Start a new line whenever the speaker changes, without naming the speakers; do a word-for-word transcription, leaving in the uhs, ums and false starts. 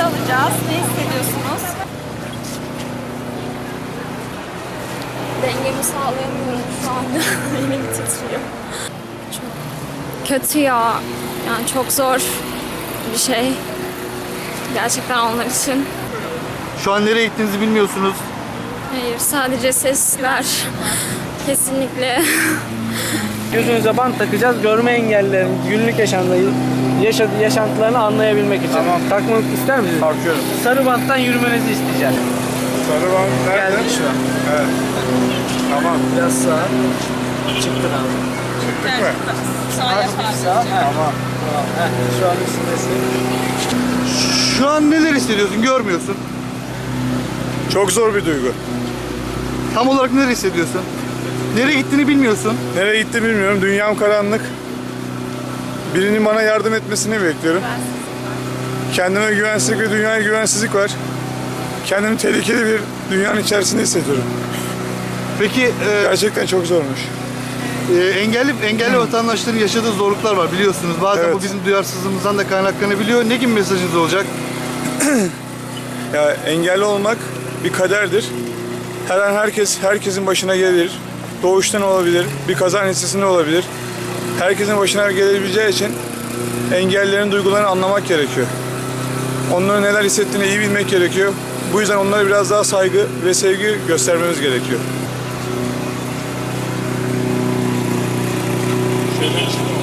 alacağız. Ne hissediyorsunuz?
Dengemi sağlayamıyorum şu anda. Elim titriyor. Çok kötü ya. Yani çok zor bir şey. Gerçekten onlar için.
Şu an nereye gittiğinizi bilmiyorsunuz.
Hayır, sadece sesler. Kesinlikle.
Gözünüze bant takacağız. Görme engellilerin günlük yaşantıyı, yaşadığı yaşantılarını anlayabilmek için. Tamam. Takmak ister misiniz? Takıyorum. Sarı banttan yürümenizi isteyeceğim.
Sarı bant nerede?
Geldik şu an.
Evet. Tamam.
Biraz sağa. Çıktın abi.
Çıktık mı?
Sağ yap abi.
Sağ. Tamam. Tamam. Heh, şu an üstündesin.
Şu an neler hissediyorsun? Görmüyorsun.
Çok zor bir duygu.
Tam olarak neler hissediyorsun? Nereye gittiğini bilmiyorsun.
Nereye gitti bilmiyorum. Dünyam karanlık. Birinin bana yardım etmesini bekliyorum. Kendime güvensizlik ve dünyaya güvensizlik var. Kendimi tehlikeli bir dünyanın içerisinde hissediyorum.
Peki e,
Gerçekten çok zormuş.
e, engelli engelli vatandaşların yaşadığı zorluklar var biliyorsunuz. Bazen
Evet.
bu bizim duyarsızlığımızdan da kaynaklanabiliyor. Ne gibi mesajınız olacak?
Ya engelli olmak bir kaderdir. Her an herkes herkesin başına gelir. Doğuştan olabilir, bir kaza neticesinde olabilir. Herkesin başına gelebileceği için engellilerin duygularını anlamak gerekiyor. Onların neler hissettiğini iyi bilmek gerekiyor. Bu yüzden onlara biraz daha saygı ve sevgi göstermemiz gerekiyor. Şöyle